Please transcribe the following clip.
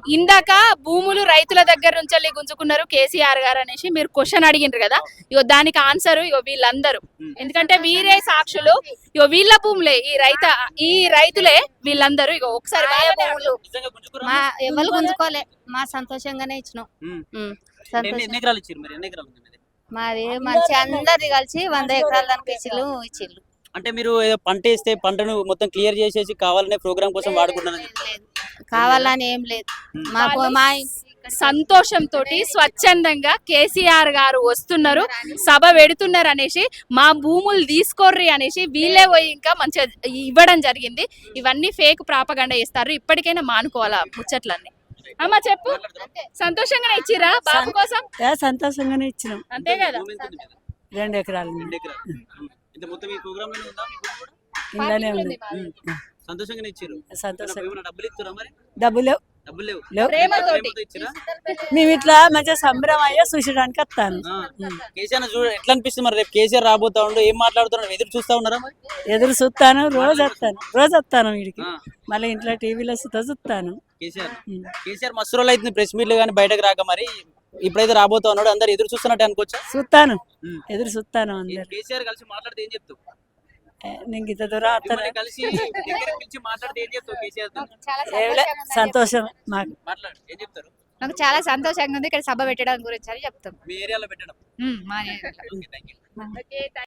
ఇందాక భూములు రైతుల దగ్గర నుంచి గుంజుకున్నారు కేసీఆర్ గారు అనేసి మీరు క్వశ్చన్ అడిగిండ్రు కదా, ఇగో దానికి ఆన్సర్ ఇగో వీళ్ళందరూ. ఎందుకంటే వీరే సాక్షులు, ఇగో వీళ్ళ భూములే, ఈ రైతులే వీళ్ళందరూ. ఇగో ఒకసారి భూములు మా ఎవరు గుంజుకోలే, మా సంతోషంగానే ఇచ్చినాం. మాది మంచి అందరిది కలిసి 100 ఎకరాల దానికి ఇచ్చిళ్ళు. అంటే మీరు ఏదో పంట వేస్తే పంటను మొత్తం క్లియర్ చేసేసి కావాలనే ప్రోగ్రామ్ కోసం వాడుకుంటున్నారు. కావాలని ఏం లేదు, మాకు మా సంతోషంతో స్వచ్ఛందంగా కేసీఆర్ గారు వస్తున్నారు, సభ పెడుతున్నారు అనేసి మా భూములు తీసుకోర్రి అనేసి వీళ్ళే పోయి ఇంకా మంచిగా ఇవ్వడం జరిగింది. ఇవన్నీ ఫేక్ ప్రాపగండా చేస్తారు. ఇప్పటికైనా మానుకోవాలా ముచ్చట్లన్నీ. అమ్మా చెప్పు, సంతోషంగానే ఇచ్చిరా బాబు కోసం? సంతోషంగానే ఇచ్చినాం. అంతే కదా, 2 ఎకరాలు ఇందానే ఉంది. సంతోషంగానే ఇచ్చారు. డబ్బులు ప్రేమతోటి మేము ఇట్లా మంచిగా సంబరం అయ్యా చూసడానికి వస్తాను. కేసీఆర్ చూడ ఎట్లా అనిపిస్తుంది మరి? రేపు కేసీఆర్ రాబోతా ఉండు, ఏం మాట్లాడుతున్నాడు? ఎదురు చూస్తా ఉన్నారా? ఎదురు చూస్తాను, రోజు వస్తాను వీడికి. మళ్ళీ ఇంట్లో టీవీలో చూస్తాను. కేసీఆర్ మస్తు రోజులు అవుతుంది ప్రెస్ మీట్లు కానీ బయటకు రాక, మరి ఇప్పుడైతే రాబోతా ఉన్నాడు, అందరు ఎదురు చూస్తున్నట్టు అనుకోవచ్చా? చూస్తాను, ఎదురు చూస్తాను. అందరు కేసీఆర్ కలిసి మాట్లాడితే ఏం చెప్తావు? నేను ఇంత దూరం కలిసి మాట్లాడితే ఏం చెప్తావు? కేసీఆర్ సంతోషం మాకు. మాట్లాడు, ఏం చెప్తారు? నాకు చాలా సంతోషంగా ఉంది ఇక్కడ సభ పెట్టడం గురించి అని చెప్తాం. మీ ఏరియాలో పెట్టడం. మా ఏరియాలో. Okay, thank you.